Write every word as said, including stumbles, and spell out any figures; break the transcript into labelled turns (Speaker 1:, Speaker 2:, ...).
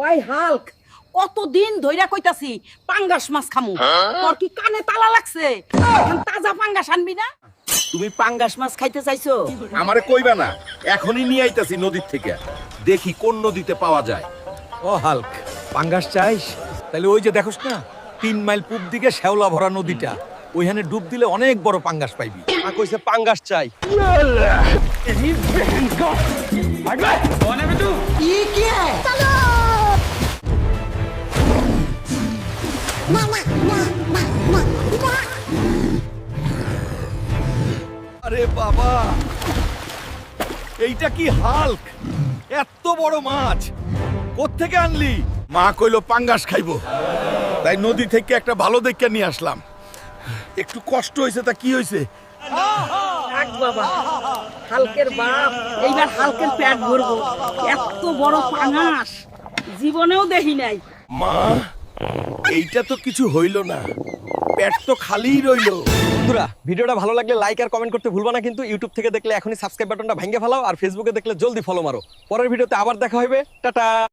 Speaker 1: ওই হাল্ক, কতদিন ধইরা কইতাছি পাঙ্গাস মাছ খামু, তোর কি কানে তালা লাগছে? এখন তাজা পাঙ্গাস আনবি না?
Speaker 2: তুমি পাঙ্গাস মাছ খাইতে চাইছো?
Speaker 3: আমারে কইবা না, এখনই নিয়ে আইতাছি নদীর থেকে। দেখি কোন নদীতে পাওয়া যায়।
Speaker 4: ও হাল্ক, পাঙ্গাস চাইস? তাহলে ওই যে দেখোস না তিন মাইল পূব দিকে শ্যাওলা ভরা নদীটা, ওইখানে ডুব দিলে অনেক বড় পাঙ্গাস পাইবি।
Speaker 5: মা কইছে পাঙ্গাস চাই।
Speaker 4: আরে বাবা, এইটা কি হাল্ক? এত বড় মাছ কোত্থেকে আনলি?
Speaker 3: মা কইলো পাঙ্গাস খাইবো, তাই নদী থেকে একটা ভালো দেখে নিয়ে আসলাম। একটু কষ্ট হয়েছে, তা কি হয়েছে?
Speaker 1: থাক বাবা, হালকের বাপ এইবার হালকের পেট ভরবো। এত বড় পাঙ্গাস জীবনেও দেখি নাই।
Speaker 3: মা, এইটা তো কিছু হইল না, পেট তো খালিই রইলো।
Speaker 5: বন্ধুরা, ভিডিওটা ভালো লাগলে লাইক আর কমেন্ট করতে ভুলবা না কিন্তু। ইউটিউব থেকে দেখলে এখনই সাবস্ক্রাইব বাটনটা ভেঙে ফেলাও, আর ফেসবুকে দেখলে জলদি ফলো মারো। পরের ভিডিওতে আবার দেখা হবে। টাটা।